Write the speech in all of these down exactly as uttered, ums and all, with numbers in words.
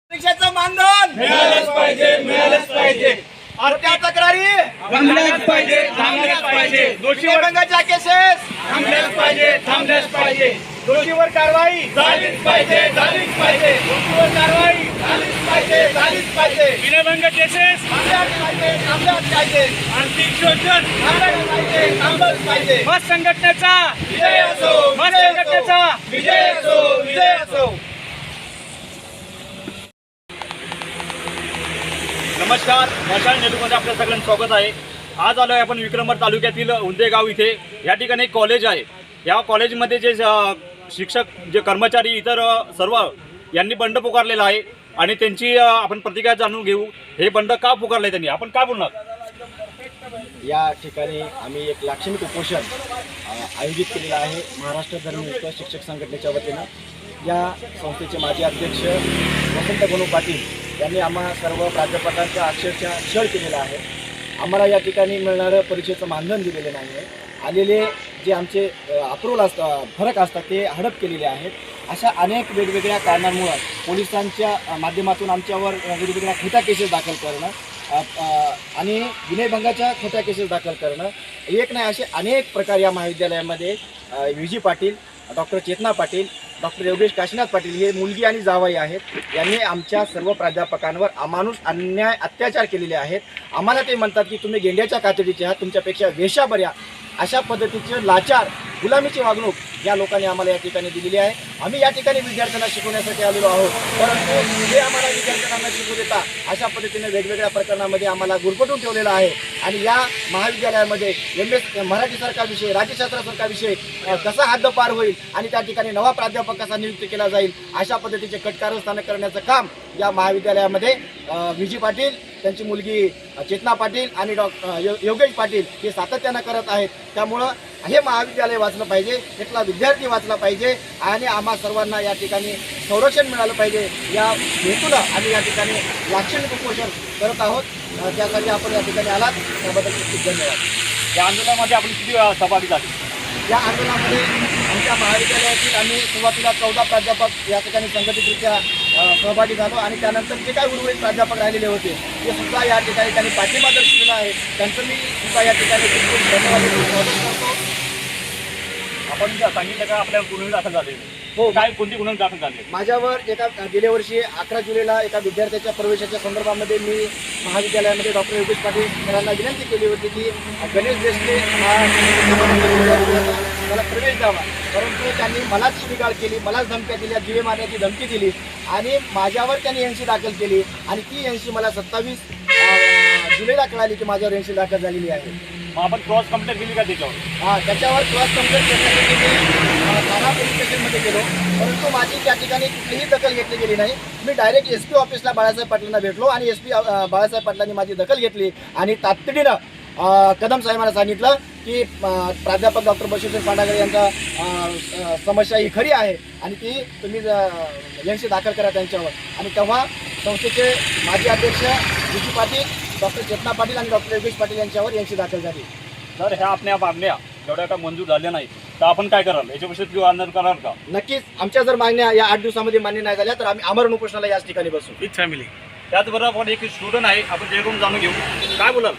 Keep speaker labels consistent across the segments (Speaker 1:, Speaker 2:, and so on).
Speaker 1: परीक्षेचं मानधन
Speaker 2: मिळालंच पाहिजे मिळालंच पाहिजे
Speaker 1: त्या तक्रारी
Speaker 2: थांबल्याच पाहिजे थांबल्याच पाहिजे दोषीवर
Speaker 1: विनयभंगाच्या केसेस
Speaker 2: थांबल्याच पाहिजे थांबल्याच पाहिजे
Speaker 1: दोषीवर कारवाई
Speaker 2: झालीच पाहिजे झालीच पाहिजे
Speaker 1: दोषीवर कारवाई
Speaker 2: झालीच पाहिजे झालीच पाहिजे
Speaker 3: विनयभंग केसेस
Speaker 1: थांबल्याच पाहिजे थांबल्याच पाहिजे
Speaker 3: आर्थिक शोषण
Speaker 1: थांबल्याच पाहिजे थांबलंच पाहिजे
Speaker 3: मत संघटनेचा
Speaker 2: विजय असो
Speaker 3: मत
Speaker 2: विजय असो
Speaker 3: संघटनेचा
Speaker 2: विजय असो विजय असो.
Speaker 3: नमस्कार, मशाल नेटवर्कमध्ये आपल्या सगळ्यांचं स्वागत आहे. आज आलो आहे आपण विक्रमगड तालुक्यातील उंदेगाव इथे. या ठिकाणी एक कॉलेज आहे. या कॉलेजमध्ये जे अ, शिक्षक जे कर्मचारी इतर अ, सर्व यांनी बंड पुकारलेला आहे आणि त्यांची अ, आपण प्रतिक्रिया जाणून घेऊ. हे बंड का पुकारले त्यांनी, आपण का बोलणार?
Speaker 4: या ठिकाणी आम्ही एक लाक्षणिक उपोषण अ, आयोजित केलेलं आहे महाराष्ट्र धर्मयुक्त शिक्षक संघटनेच्या वतीनं. या संस्थेचे माजी अध्यक्ष वसंत गणू पाटील यांनी आम्हा सर्व प्राध्यापकांचा अक्षरशः छळ केलेला आहे. आम्हाला या ठिकाणी मिळणारं परीक्षेचं मानधन दिलेलं नाही आहे. आलेले जे आमचे अप्रूव्हल असतात फरक असतात ते हडप केलेले आहेत. अशा अनेक वेगवेगळ्या कारणांमुळं पोलिसांच्या माध्यमातून आमच्यावर वेगवेगळ्या खोट्या केसेस दाखल करणं आणि विनयभंगाच्या खोट्या केसेस दाखल करणं एक नाही असे अनेक प्रकार या महाविद्यालयामध्ये V G Patil, doctor Chetana Patil, doctor Yogesh Kashinath Patil हे मुलगी आणि जावई आहेत. यांनी आमच्या सर्व प्राध्यापकांवर अमानुष अन्याय अत्याचार केलेले आहेत. आम्हाला ते म्हणतात की तुम्ही गेंड्याच्या कातडीचे आहात, तुमच्यापेक्षा वेशा बऱ्या, अशा पद्धतीचे लाचार गुलामीची वागणूक या लोकांनी आम्हाला या ठिकाणी दिलेली आहे. आम्ही या ठिकाणी विद्यार्थ्यांना शिकवण्यासाठी आलेलो आहोत, परंतु हे आम्हाला विद्यार्थ्यांना शिकवू देता अशा पद्धतीने वेगवेगळ्या प्रकरणामध्ये आम्हाला गुरफटून ठेवलेलं आहे. आणि या महाविद्यालयामध्ये एम एस मराठीसारखा विषय, राज्यशास्त्रासारखा विषय कसा हद्दपार होईल आणि त्या ठिकाणी नवा प्राध्यापक कसा नियुक्त केला जाईल अशा पद्धतीचे कटकारस्थान करण्याचं काम या महाविद्यालयामध्ये व्ही जी पाटील, त्यांची मुलगी चेतना पाटील आणि डॉ योगेश पाटील हे सातत्यानं करत आहेत. त्यामुळं हे महाविद्यालय वाचलं पाहिजे, इथला विद्यार्थी वाचला पाहिजे आणि आम्हा सर्वांना या ठिकाणी संरक्षण मिळालं पाहिजे. या हेतूला आम्ही या ठिकाणी लाक्षणिक उपोषण करत आहोत. त्यासाठी आपण या ठिकाणी आलात त्याबद्दल खूप खूप धन्यवाद.
Speaker 3: या आंदोलनामध्ये आपण किती वेळा सहभागी झाले?
Speaker 4: या आंदोलनामध्ये आमच्या महाविद्यालयातील आम्ही सुरुवातीला चौदा प्राध्यापक या ठिकाणी संघटितरित्या सहभागी झालो आणि त्यानंतर जे काही उर्वरित प्राध्यापक राहिलेले होते ते सुद्धा या ठिकाणी त्यांनी पाठिंबा दर्शवलेला आहे. त्यांचं मी सुद्धा या ठिकाणी खूप धन्यवाद करतो.
Speaker 3: आपण जे सांगितलं का आपल्या गुन्हे दाखल झाले?
Speaker 4: हो,
Speaker 3: काय कोणती गुन्हे दाखल झाले?
Speaker 4: माझ्यावर एका गेल्या वर्षी अकरा जुलैला एका विद्यार्थ्याच्या प्रवेशाच्या संदर्भामध्ये मी महाविद्यालयामध्ये डॉक्टर योगेश पाटील सरांना विनंती केली होती की गणेश देशले हा मला प्रवेश द्यावा, परंतु त्यांनी मलाच शिवीगाळ केली, मलाच धमक्या दिल्या, जीवे मारण्याची धमकी दिली आणि माझ्यावर त्यांनी एनसी दाखल केली आणि ती एनसी मला सत्तावीस जुलैला कळाली की माझ्यावर एनसी दाखल झालेली आहे.
Speaker 3: मग आपण क्रॉस कंप्लेंट केली का त्याच्यावर?
Speaker 4: हां, त्याच्यावर क्रॉस कंप्लेंट करण्यासाठी मी ठाणा पोलीस स्टेशनमध्ये गेलो, परंतु माझी त्या ठिकाणी कुठलीही दखल घेतली गेली नाही. मी डायरेक्ट एस पी ऑफिसला बाळासाहेब पाटलांना भेटलो आणि एस पी बाळासाहेब पाटलांनी माझी दखल घेतली आणि तातडीनं कदम साहेबांना सांगितलं की प्राध्यापक डॉक्टर बशीरसिंग पांडागरे यांचा समस्या ही खरी आहे आणि ती तुम्ही एनसी दाखल करा त्यांच्यावर. आणि तेव्हा संस्थेचे माजी अध्यक्ष V G Patil, doctor Chetana Patil आणि डॉक्टर योगेश पाटील यांच्यावर एनसी दाखल झाली.
Speaker 3: जर ह्या आपल्या मागण्या जेवढ्या का मंजूर झाल्या नाही तर आपण काय कराल? याच्याविषयी किंवा आंदोलन करणार का?
Speaker 4: नक्कीच आमच्या जर मागण्या या आठ दिवसामध्ये मान्य नाही झाल्या तर आम्ही आमरण उपोषणाला याच ठिकाणी बसू.
Speaker 3: With family. त्याचबरोबर आपण एक स्टुडंट आहे, आपण त्याकडून जाणून घेऊ. काय बोलाल?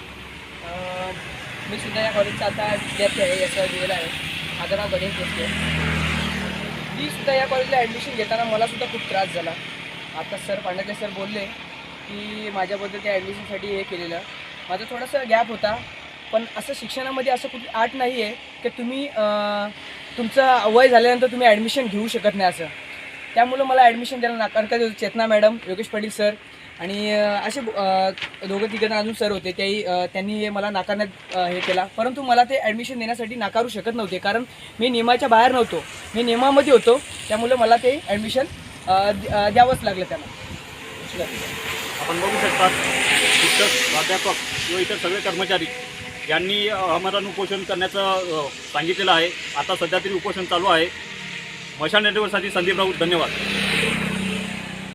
Speaker 5: मी सुद्धा या कॉलेजचा आता विद्यार्थी आहे, याचा दिलेला आहे. माझं नाव गणेश देशले. मी सुद्धा या कॉलेजला ॲडमिशन घेताना मला सुद्धा खूप त्रास झाला. आता सर पांडगरे सर बोलले की माझ्याबद्दल त्या ॲडमिशनसाठी हे केलेलं माझा थोडासा गॅप होता, पण असं शिक्षणामध्ये असं कुठली आट नाही आहे की तुम्ही तुमचं वय झाल्यानंतर तुम्ही ॲडमिशन घेऊ शकत नाही असं. त्यामुळं मला ॲडमिशन द्यायला नाकार करत होते चेतना मॅडम, योगेश पाटील सर आणि असे दोघं तिघं अजून सर होते. त्याही त्यांनी मला नाकारण्यात हे केला, परंतु मला ते ॲडमिशन देण्यासाठी नाकारू शकत नव्हते कारण मी नियमाच्या बाहेर नव्हतो, मी नियमामध्ये होतो. त्यामुळे मला ते ॲडमिशन द्यावंच लागलं त्यांना.
Speaker 3: आपण बघू शकतात शिक्षक, प्राध्यापक किंवा इतर सगळे कर्मचारी यांनी आमरण उपोषण करण्याचं सांगितलेलं आहे. आता सध्या तरी उपोषण चालू आहे. मशाल नेटवर्कसाठी संदीप राऊत, धन्यवाद.